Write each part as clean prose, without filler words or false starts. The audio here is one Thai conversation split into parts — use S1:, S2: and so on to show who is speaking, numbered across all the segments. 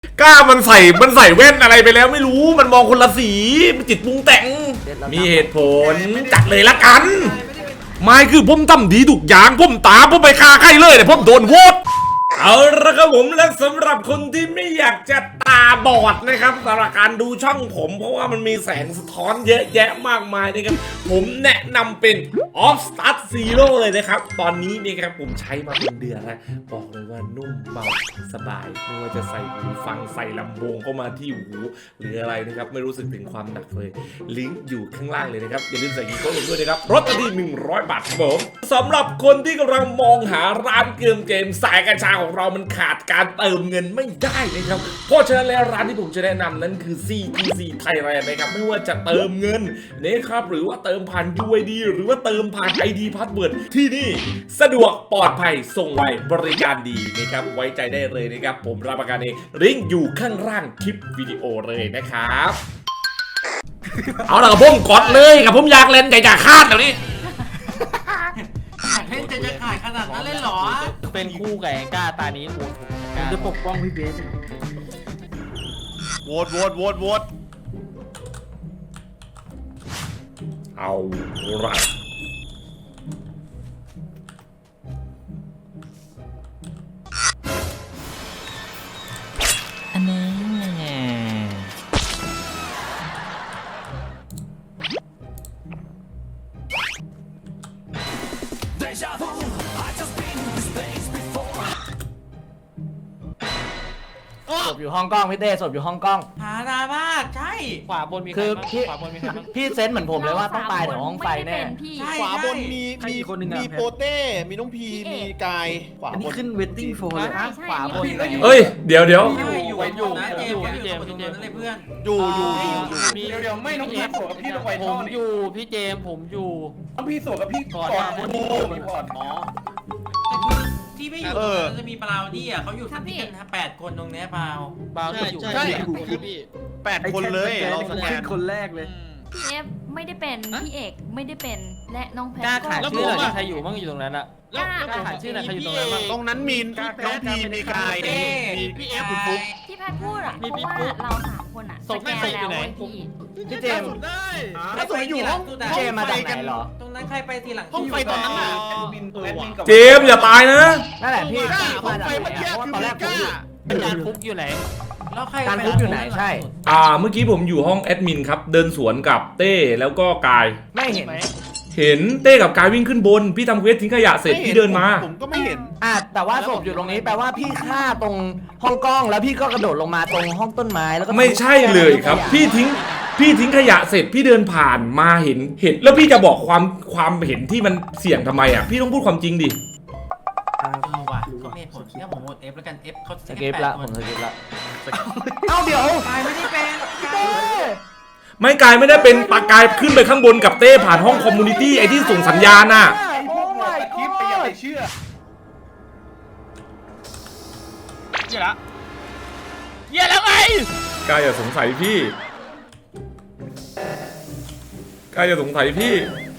S1: กล้ามันใส่แว่นอะไรไปแล้วไม่รู้มันมองคนละสีมันจิตปรุงแต่งมีเหตุผลจัดเลยละกันไม่คือผมทำดีทุกอย่างผมตามผมไปฆ่าใครเลยแต่ผมโดนโหวตเอาละครับผมและสำหรับคนที่ไม่อยากจะตาบอดนะครับสำหรับการดูช่องผมเพราะว่ามันมีแสงสะท้อนเยอะแยะมากมายนะครับผมแนะนำเป็น Off Start Zero เลยนะครับตอนนี้นี่ครับผมใช้มาเป็นเดือนแล้วบอกเลยว่านุ่มเบาสบายไม่ว่าจะใส่หูฟังใส่ลำโพงเข้ามาที่หูหรืออะไรนะครับไม่รู้สึกถึงความหนักเลยลิงก์อยู่ข้างล่างเลยนะครับอย่าลืมใส่กีโก้ลงด้วยนะครับลดทันที100 บาทครับผมสำหรับคนที่กำลังมองหาร้านเกมสายกัญชาของเรามันขาดการเติมเงินไม่ได้นะครับเพราะฉะนั้นแล้วร้านที่ผมจะแนะนำนั้นคือ CTC Thailand นะครับไม่ว่าจะเติมเงินนะครับหรือว่าเติมผ่าน UID หรือว่าเติมผ่าน ID Password ที่นี่สะดวกปลอดภัยส่งไวบริการดีนะครับไว้ใจได้เลยนะครับผมรับประกันเองลิงก์อยู่ข้างล่างคลิปวิดีโอเลยนะครับเอาล่ะกับผมกดเลยกับผมอยากเล่นอยากคาดแบบนี้
S2: เล่นจะขายขนาดนั้นเลยเหรอ
S3: เป็นคู่กับแองก้าตานี้โหวตผม
S4: จะปกป้องพี่เบส
S5: โหวต
S1: เอาละ
S3: อันนี้ศพอยู่ห้องกล้องพี่เต้ศพอยู่ห้องกล้อง
S2: หาดามากใช่
S3: ขวาบนมีคือพี่ขวาบนมีใครบ้างพี่เซนส์เหมือนผมเลยว่าต้องตายแถวห้องไฟแน่
S5: ขวาบนมีโปเต้มีน้องพีมีกายขวา
S4: อัน
S5: บ
S4: นี้
S5: น
S4: ขึ้นเวทติ้งโฟร์เลย
S3: ขวาบน
S1: เอ้ยเดี๋ยว
S2: อยู่นะเจมส์นั่นเลยเพื่อน
S5: อยู่
S3: เดี๋ยวไม่น้องพีสวกับพี่ต้องไปผมอยู่พี่เจมผมอยู่
S5: น้องพีสวกับพี่ก่อนมีพอร์ตอ๋อ
S2: ที่ไม่อยู่จะมีปลาวดี้อ่ะเขาอยู่ที่กัน8 คนตรงนี้เปล่า
S3: อยู่
S5: ใช่พี่8 คนเลยเราสแกน
S4: คนแรกเลย
S6: พี่เอฟไม่ได้เป็นพี่เอกไม่ได้เป็นและน้องแพท
S3: กล้าขายชื่อหน่อยใครอยู่บ้างอยู่ตรงนั้นอะกล้าขายชื่อหน่อยใครอยู่ตรงนั้นบ้าง
S5: ตรงนั้นมีน้องพีมีกายมีพี่เอฟคุณฟุ๊ก
S6: ที่แพทพูดอ่ะเพราะว่าเรา3 คนอ่ะสแกนแล้วไว้
S3: พี่เจม
S5: ถ้าสวยอยู่ห้อง
S3: เจมมาจากไหนเหรอ
S2: ตรงนั้นใครไปทีหลัง
S5: ห้องไฟตอนนั้นน่ะ
S1: เจมอย่าตายนะ
S3: นั่นแหละพี่ห้องไฟเมื่อกี้คือตอนแรกผมอยู่การฟุกอยู่ไหน
S2: แล้วใคร
S3: การฟุกอยู่ไหนใช่
S1: เมื่อกี้ผมอยู่ห้องแอดมินครับเดินสวนกับเต้แล้วก็กาย
S3: ไม่เห็น
S1: เห็นเต้กับกายวิ่งขึ้นบนพี่ทำเควสทิ้งขยะเสร็จพี่เดินมา
S5: ผมก็ไม่เห็น
S3: แต่ว่าศพอยู่ตรงนี้แปลว่าพี่ฆ่าตรงห้องกล้องแล้วพี่ก็กระโดดลงมาตรงห้องต้นไม้แล้วก็
S1: ไม่ใช่เลยครับพี่ทิ้งขยะเสร็จพี่เดินผ่านมาเห็นแล้วพี่จะบอกความเห็นที่มันเสี่ยงทำไมอ่ะพี่ต้องพูดความจริงดิ
S2: เอาว่ะก็เมทผมเนี่ยผมโหวตFแล้วกัน F เขา
S3: สกิปละผมสกิปละเอาเดี๋ยว
S2: กายไม่ได้เป็น
S1: ไม่กายไม่ได้เป็นปากกายขึ้นไปข้างบนกับเต้ผ่านห้องคอมมูนิตี้ไอที่ส่งสัญญาณน่ะ
S5: พวกหมดคลิปไปอย่าไปเชื่อเยอะละ
S3: เยอะแล้วไง
S1: กายอย่าสงสัยพี่กายอย่าสงสัยพี่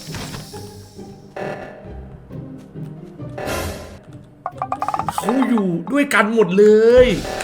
S1: เขาอยู่ด้วยกันหมดเลย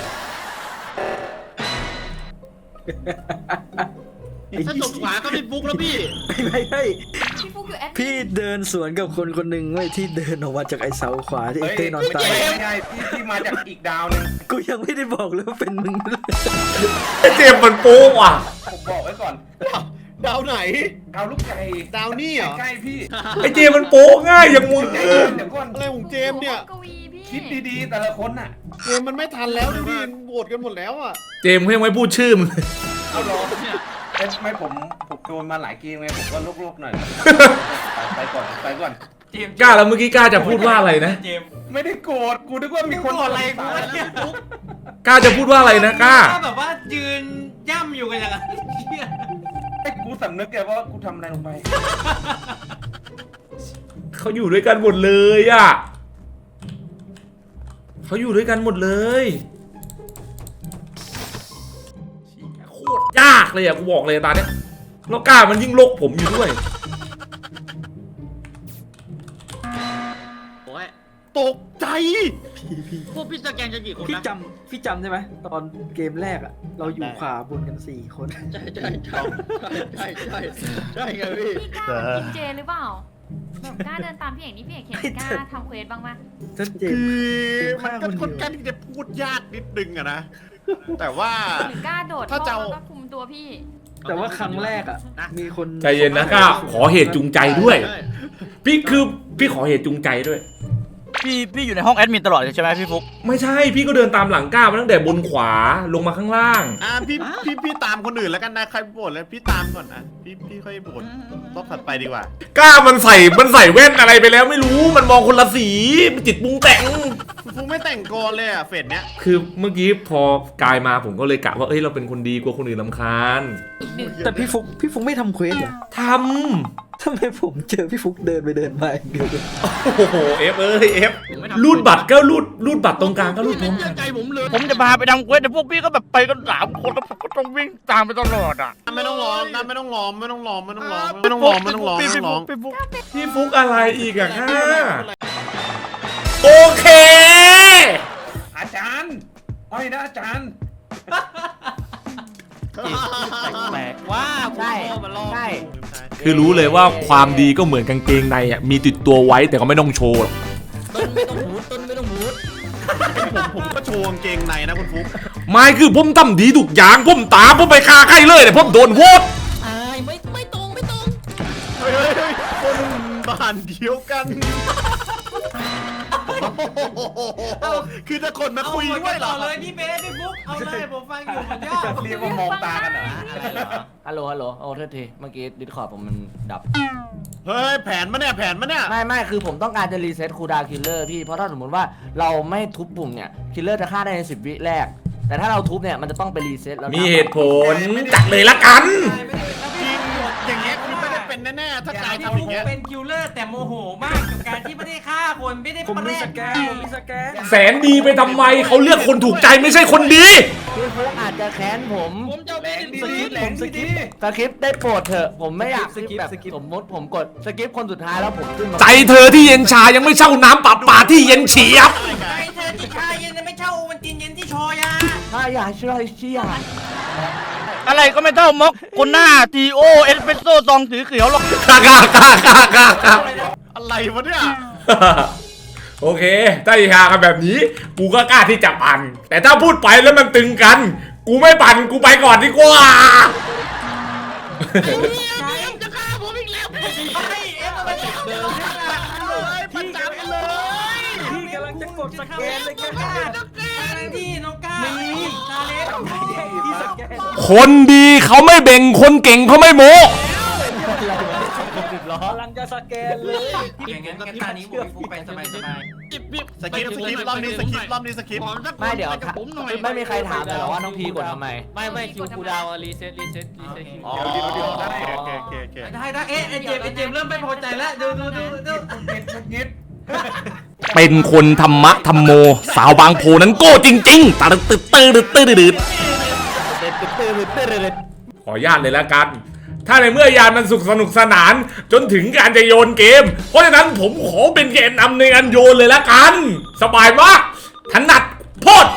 S5: ถ้าจบขวาก็เป็นฟุกแล้วพี่
S4: ไม่
S6: พี่ฟุกอยู่แอด
S4: พี่เดินสวนกับคนหนึ่งเว้ยที่เดินออกมาจากไอ้เสาขวาที่เต้นอนตาย
S5: ไม่ใช่ที่มาจากอีกดาวนึง
S4: กูยังไม่ได้บอกเลยว่าเป็นมึง
S1: เจมมันโป๊ะว่ะ
S5: ผมบอกไว้ก่อนดาวไหนดาวลูกไก่ดาวนี่เหรอใกล้พี่
S1: ไอเจมมันโป๊ะง่ายอย่างมึง
S5: เดี๋ยวก่อนอะไรของเจมเนี่ยคิดดีๆแต่ละคนน่ะเจมมันไม่ทันแล้วพี่โหวตกันหมดแล้วอ่ะ
S1: เจมยังไม่พูดชื่อมึง
S5: เอาหรอไม่ผมโดนมาหลายเกมไงผมก็ลุกๆหน่อยไปก่อน
S1: กล้าแล้วเมื่อกี้กล้าจะพูดว่าอะไรนะ
S5: ไม่ได้โกรธกูนึกว่ามีคน
S2: อะไรกูว่าเนี่ย
S1: กล้าจะพูดว่าอะไรนะกล้า
S2: แบบว่ายืนย่ำอยู่กันอย่างเงี้ย
S5: ไอ้กูสำนึกแกว่ากูทำอะไรลงไป
S1: เขาอยู่ด้วยกันหมดเลยอ่ะเขาอยู่ด้วยกันหมดเลยโคตรยากเลยอ่ะกูบอกเลยตาเนี้ยแล้วกล้ามันยิ่งโลกผมอยู่ด้วย
S5: ตกใจ
S7: พวกพี่สแกนจะกี่คน
S4: พี่
S7: นะ
S4: พี่จำได้ไหมตอนเกมแรกอะเราอยู่ขวาบนกัน4 คน
S7: ใช่ไงพี่
S6: พี่กล้ากินเจหรือเปล่าแบบกล้าเดินตามพี่เอกนี่พี่เอกเห็นกล้าทำเควสบ้างไหม
S4: ชัดเจน
S7: คือมัน
S4: ฆ่า
S7: ก็
S4: คน
S7: ค่อน
S4: เดียว
S7: ข้างที่จะพูดยากนิดนึงอะนะ แต่ว่า
S6: หรือกล้าโดด
S7: ถ้า
S6: ท่
S7: จะ
S6: อ
S7: เอา
S6: แล้วก็คุมตัวพี่
S4: แต่ว่าครั้งแรกอะมีคน
S1: ใจเย็นนะก้าขอเหตุจูงใจด้วย พี่ขอเหตุจูงใจด้วย
S8: พี่อยู่ในห้องแอดมินตลอดเลยใช่ไหมพี่ฟุก
S1: ไม่ใช่พี่ก็เดินตามหลังก้ามาตั้งแต่บนขวาลงมาข้างล่าง
S7: พี่ตามคนอื่นแล้วกันนะใครโบดแล้วพี่ตามก่อนนะพี่ค่อยโบดรอบถัดไปดีกว่า
S1: ก้ามันใส่แว่นอะไรไปแล้วไม่รู้มันมองคนละสีมันจิตปรุงแต่ง
S7: ฟุกไม่แต่งกรเลยอ่ะเฟสเนี้ย
S1: คือเมื่อกี้พอกายมาผมก็เลยกะว่าเอ้ยเราเป็นคนดีกลัวคนอื่นรำคาญ
S4: แต่พี่ฟุกไม่ทำเควสเหรอ
S1: ท
S4: ทำไมผมเจอพี่ฟุกเดินไปเดินมาอย่างเดียวเลย
S1: ำโอ้โหเอฟเอฟรูดบัตรก็รูดบัตรตรงกลางก็รูดพร้อมกัน
S7: ใจผมเลย
S8: ผมจะพาไปทำเควสแต่พวกพี่ก็แบบไปกัน3 คนแล้วผมก็ต้องวิ่งตามไปตลอดอ่ะ
S7: ไม่ต้องร้องนะไม่ต้องร้อง
S8: พี่ฟุก
S1: พี่ฟุกอะไรอีกอะค่ะโอเค
S5: อาจารย์อ้อยนะอาจารย์
S8: แปลกว่า
S3: ใช่ใช่
S1: คือรู้เลยว่าความดีก็เหมือนกางเกงในอ่ะมีติดตัวไว้แต่ก็ไม่ต้องโชว์หรอก
S8: ต้นไม่ต้องหูด
S7: ผมก็โชว์กางเกงในนะคุณฟุก
S1: ไม่คือผมทำดีทุกอย่างผมตามผมไปฆ่าใครเลยแต่ผมโดนโหวต
S8: ไม่ตรง
S7: เฮ้ยคนบ้านเดียวกันคือถ้าคนมาคุยด้วยเหรอ
S2: เอาเลยพี่เบสพี่ฟุกเอาเลยผมฟังอยู่ผมยอด
S5: เรียกว่ามองตากันเหรอ
S3: ฮัลโหลโอ้โทษทีเมื่อกี้ดิสคอร์ดผมมันดับ
S7: เฮ้ยแผนมาเนี่ย
S3: ไม่คือผมต้องการจะรีเซ็ตคูลดาวน์คิลเลอร์พี่เพราะถ้าสมมติว่าเราไม่ทุบปุ่มเนี่ยคิลเลอร์จะฆ่าได้ใน10 วิแรก แต่ถ้าเราทุบเนี่ยมันจะต้องไปรีเซ็ตแล้ว
S1: มีเหตุผลจัดเลยละกัน
S7: จริงอย่างเงี้ยคือไม่ได้เป็นแน่ๆถ้ากาย
S2: พี่
S7: ทำอ
S2: ฟุ
S7: ย่าก งเงี้ย
S2: เป็นคิวเลอร์แต่โมโหมากกับการที่ไม่ได้ฆ่าคนไม่ได้
S4: ผมมี
S2: แล
S4: ส
S2: ก
S4: แกนผมมีสแกน
S1: แสนดีไปทำไมเขาเลือกคนถูกใจไม่ใช่คนดี
S3: พี่ฟุกอาจจะแค้นผม
S8: ผมจะไม่ได้
S3: สคริปต์ได้โปรดเถอะผมไม่อยากแบบสมมติผมกดสคริปต์คนสุดท้ายแล้วผมขึ้นมา
S1: ใจเธอที่เย็นชายังไม่เช่าน้ำป่าที่เย็นเฉียบ
S2: ใจเธอที่ชาเย็นไม่เช่าโอวันตินเย็นที่ชอยา
S3: ถ้าอยากเชื่อเชื่อ
S8: อะไรก็ไม่เท่ามอกคนหน้าทีโอเอสเปรสโซ่ซองสีเขียวหรอก
S1: กาก
S7: อะไรวะเนี่ย
S1: โอเคถ้าอีหากันแบบนี้กูก็กล้าที่จะปั่นแต่ถ้าพูดไปแล้วมันตึงกัน กูไม่ปั่นกูไปก่อนดีกว่า
S8: จะฆ่าผมอีกแล้ว
S2: ไอ้เอฟมันจะเดิน
S7: ประจำเลย
S4: พี่กำลังจะกดสแกนเลยกัน
S2: ที่น้องก้าชาเลน
S4: พี่สแกน
S1: คนดีเขาไม่เบ่งคนเก่งเขาไม่โม้
S4: กำลังจะสแกนเลย
S2: อย่างงั้นกันตานี้ผมฟุกไปสบาย
S7: สคริปต์รอบนี้สคริปต์
S3: ไม่เดี๋ยว
S8: ผมหน่อย
S3: ไม่มีใครถามเลยหรอว่าน้องพีกดทำไม
S8: ไม่คิวคูดาวรีเซ็ต
S7: อ๋อโอเค
S2: ได้เอ๊ะไอเจมเริ่มไม่พอใจแล้วดู
S5: งิด
S1: เป็นคนธรรมะธรรมโม สาวบางโพนั้นโก้จริงๆตื่นขออนุญาตเลยละกัน ถ้าในเมื่อยานมันสนุกสนาน จนถึงการจะโยนเกม เพราะฉะนั้นผมขอเป็นแกนนำในการโยนเลยละกัน สบายมากถนัดโพด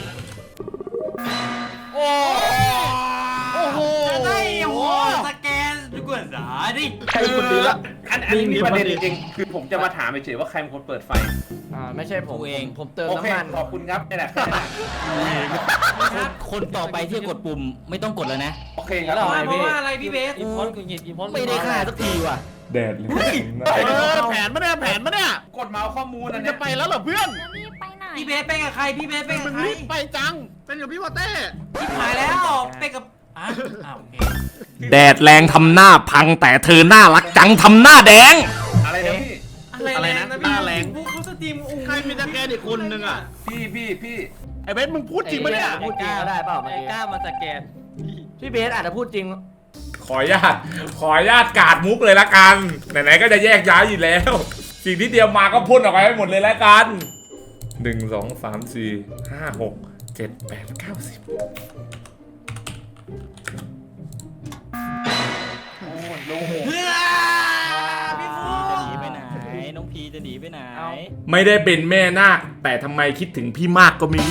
S2: โอ้โหได้โหสแกนดูกว่าสาดิ
S5: ใครคนดีละอันนี้มีประเด็นจริงๆคือผมจะมาถามเฉยๆว่าใครเป็นคนเปิดไฟ
S3: ไม่ใช่ผมเองผมเติม
S5: โอเค
S3: น้ำมัน
S5: ขอบคุณครับนี่แหละ
S8: คนต่อไปที่กดปุ่มไม่ต้องกดแล้วนะ
S5: โอเคครับ
S2: เพราะว่าอะไรพี่เบส
S3: ไม่ได้ฆ่าสักทีว่ะ
S1: แดดเลย
S7: แผนมาเนี่ย
S5: กดมาเอาข้อมูล
S7: มั
S5: อั
S7: น
S5: น
S7: จะ
S5: เนี้ย
S7: ไปแล้วเหรอเพื่อน
S6: แล้วนี่ไปไหน
S2: พี่เบสไปกับใครพี่เบสไปกับใคร
S7: รีบไปจังเป็นกับพี่วอเต้
S2: ชิบหายแล้วไปกับโอเค
S1: แดดแรงทำหน้าพังแต่เธอน่ารักจังทำหน้าแดง
S5: อะไรนะพี่
S2: อะไรนะหน้าแรงพวกเขาสตรีม
S7: ใครมีตะแกรงอีกคนนึงอ่ะ
S5: พี่
S7: ไอ้เบสมึงพูดจริงปะเนี่ย
S3: พูดจริงก็ได้เปล่าเมื่อกี้
S8: กล้ามาสแกน
S3: พี่เบสอาจจะพูดจริง
S1: ขออนุญาตกาดมุกเลยละกัน ไหนๆก็จะแยกย้ายอยู่แล้ว สิ่งที่เตรียมมาก็พ่นออกไปให้หมดเลยละกัน 1 2 3 4 5 6 7 8 9 10
S2: เพื่อพี่ฟู
S8: จะหนีไปไหนน้องพีจะหนีไปไหน
S1: ไม่ได้เป็นแม่นาคแต่ทำไมคิดถึงพี่มากก็ไม่รู้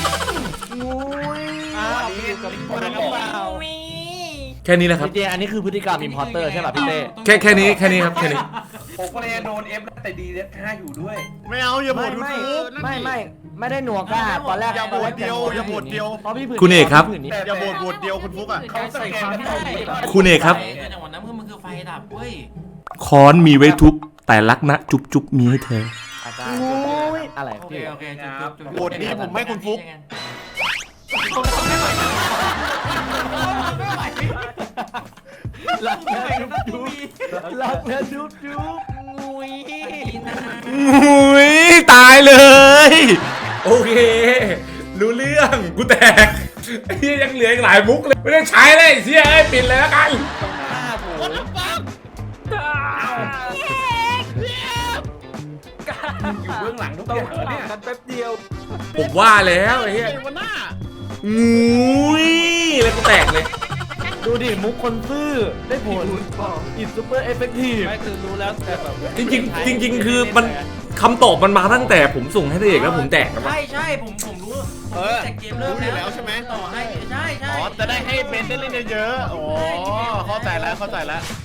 S5: อันนี้คนละบอก
S1: แค่นี้นะครับ
S3: จริงๆอันนี้คือพฤติกรรมอิมพอร์เตอร์ใช่ป่ะพี่เต้
S1: แค่นี้ครับแค่นี้
S5: ผมก็เลยโดนเอฟแล้วแต่ดีเด็ดค่าอยู่ด้วย
S7: ไม่เอาอย่าโหว
S3: ไม่
S7: ตยู
S3: ไม่
S7: ทูบ
S3: ไม่ได้หนัวกล้าตอนแรก
S7: อย่าโหวตเดียวอย่าโหวตเดียว
S3: เพราะพี่ผืน
S1: คุณเอกครับ
S3: พี่ผืนนี้
S7: อย่าโหวตเดียวคุณฟุกอ่ะ
S5: เขาสแกนกันต่อดี
S1: คุณเอกครับ
S2: จังหวะนั้นมันคือไฟดับเว้ย
S1: ค้อนมีไว้ทุบแต่รักนะจุ๊บมีให้เธอ
S3: อาจารย์อะไร
S2: โอเค
S3: พี่
S2: โอเคจุด
S7: โหวตนี้ผมให้คุณฟุก
S3: รักนะจุ๊บรักนะจุ๊บงุย
S1: อุ้ยตายเลย โอเค รู้เรื่องกูแตกไอ้เหี้ยยังเหลืออีกหลายมุกเลย ไม่ได้ใช้เลยเสียปิดเลยแล้วกัน
S5: อยู่เบื้องหลังทุกอย่างเนี่ย
S4: กันแป๊บเดียว
S1: ผมว่าแล้วไอ้เหี้ย
S7: วันหน้า
S1: อุ้ยแล้วกูแตกเลย
S3: ดูดิมุกคนซื่อได้ผลอินซูเปอร์เอฟเฟกตีฟ
S8: ไม่คือรู้แล้วแต่แบบ
S1: จริงๆคือมันคำตอบมันมาตั้งแต่ผมส่งให้ตัวเอกแล้วผมแตกแล้วมั้ง
S2: ใช่ผมรู้แต่เกมเริ่มแล้วใช่ไหมต่อให้ใช่
S7: อ๋อจะได้ให้เบนได้เล่นเยอะๆอ๋อเข้าใจแล้ว